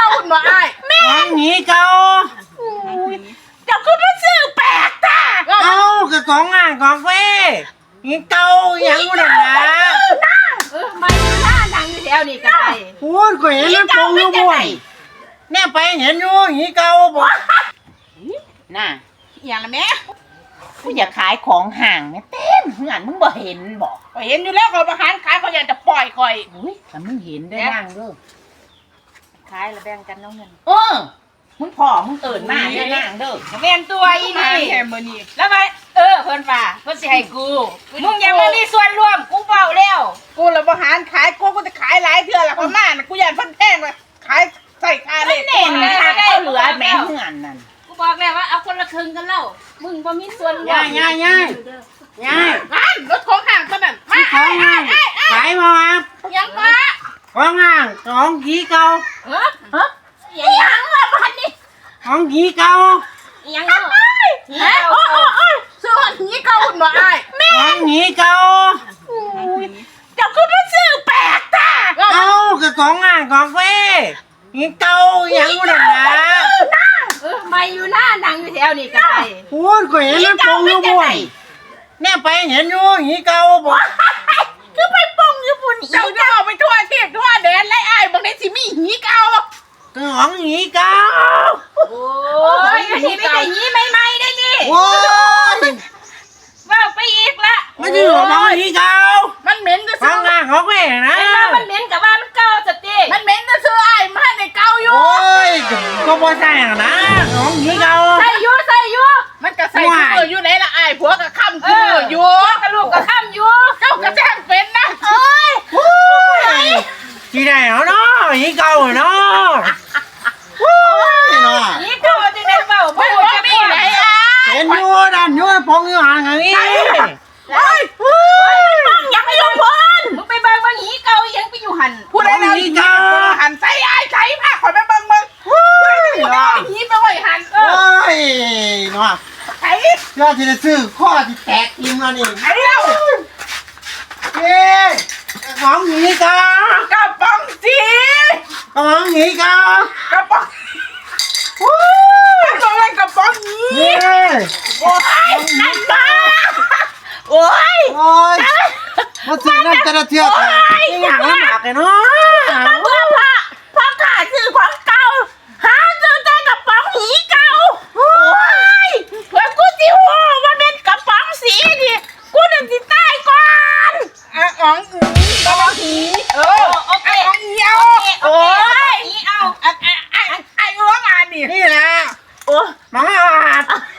หุ่นบ่อ้ายแม่ของหนีเก่าเจ้าคือมาซื้อแปลกจ้าเอากับของอ่างของเฟ่หนีเก่าอย่างนู้นนะมาอยู่หน้าดังอยู่แถวนี้ก็ได้พูดก็เห็นมันปงอยู่บ่อยเนี่ยไปเห็นอยู่หนีเก่าบ่น่ะอย่างละแม่กูอยากขายของห่างเนี่ยเต้นงานมึงบ่เห็นบอกก็เห็นอยู่แล้วเขาประหารขายเขาอยากจะปล่อยคอยอุ้ยแต่มึงเห็นได้นั่งเด้อขายแล้วแบ่งกันน้องเงินมึงพ่อมึงเอิญมาได้นั่งเด้อแม่นตัวอีนี่แค่มื้อนี้แล้วไปเพิ่นว่าเพิ่นสิให้กูมึงอย่ามามีส่วนร่วมกูเว้าแล้วกูละบ่หารขายกูจะขายหลายเทื่อละประมาณกูอยากเพิ่นแพงเลยขายใส่ค่าเลขเน่นค่ะก็เหลือแม่งงานนั่นกูบอกแล้วว่าเอาคนละครึ่งกันแล้วมึงบ่มีส่วนร่วมย่ายย่ายย่ายย่ายร้านรถของห่างเท่านั้นมาของอ่างขายมาครับยังมาของอ่างของหนีเก่ายังละพันนี่ของหนีเก่ายังเนาะซื้อหันนี้เก่าหุ่นบ่อ้ายของหนีเก่าเจ้าคือมาซื้อแปลกจ้าเอากับของอ่างของเฟ่หนีเก่าอย่างนู้นนะมาอยู่หน้าดังอยู่แถวนี้ก็ได้พูดก็เห็นมันปงอยู่บ่อยเนี่ยไปเห็นอยู่หนีเก่าบ่คือไปปงญี่ปุ่นเจ้าจะเอาไปทั่วเทศทั่วแดนไล่อ้ายบางทีสิมีหีเก่าของหนีเก่าโอ้ยนี่ไม่ได้ยีใหม่ๆได้นี่โอ้ยว่าไปอีกละไม่ใช่ของหนีเก่ามันเหม็นจะขซื้อองอ่างของเฟ่นะไอ้ว่ามันเหม็นกับว่ามันเก่าสติมันเหม็นจะซื้ออ้ายมาในเก่าอยู่โอ้ยก็บ่ใช่นะของหนีเก่าใส่อยู่มันก็ใส่ถุงอยู่ไหนละอ้ายผัวก็ค้ำถุงอยู่กระลูกกระข้ามอยู่เจ้าก็แจ้งเป็นนะที่ไหนเนาะหนีเก่าเนาะโอ้ยเนาะนี่เก่าจะได้เปล่าไม่บ่ว่าจะมีมีไหนไหนอ้ายเห็นอยู่ดันอยู่ปงอยู่ห่างอย่างนี้ยังไม่ลงพ้นมึงไปเบิ่งว่าหีเก่ายังไปอยู่หันพูดได้แล้วหันใส่อ้ายใส่ผ้าขอยไปเบิ่งมึงพูดได้หีไปไว้หันโอ้ยเนาะใส่เพื่อที่จะซื้อข้อที่แตกทิมแล้วนี่ไอ้เล่าเย้ของหนีเก่ากระป๋องจีของหนีเก่ากระป๋องตัวอะไรกระป๋องนี้เย้โอ้ยนั่นมาโอ้ยโอ้ยมาซื้อน้ำตาลเทียบนี่อย่างลำบากเลยเนาะพ่อขาซื้อของเก่าหาซื้อแต่กระป๋องหีเก่าโอ้ยเพื่อกูสิหัวว่าเป็นกระป๋องสีนี่กูนึกสิตายก่อนอ๋องกระป๋องหีโอเคอ๋องหีเอาโอ้ยหีเอาไอ้ร้องอ่านดินี่แหละโอ้มา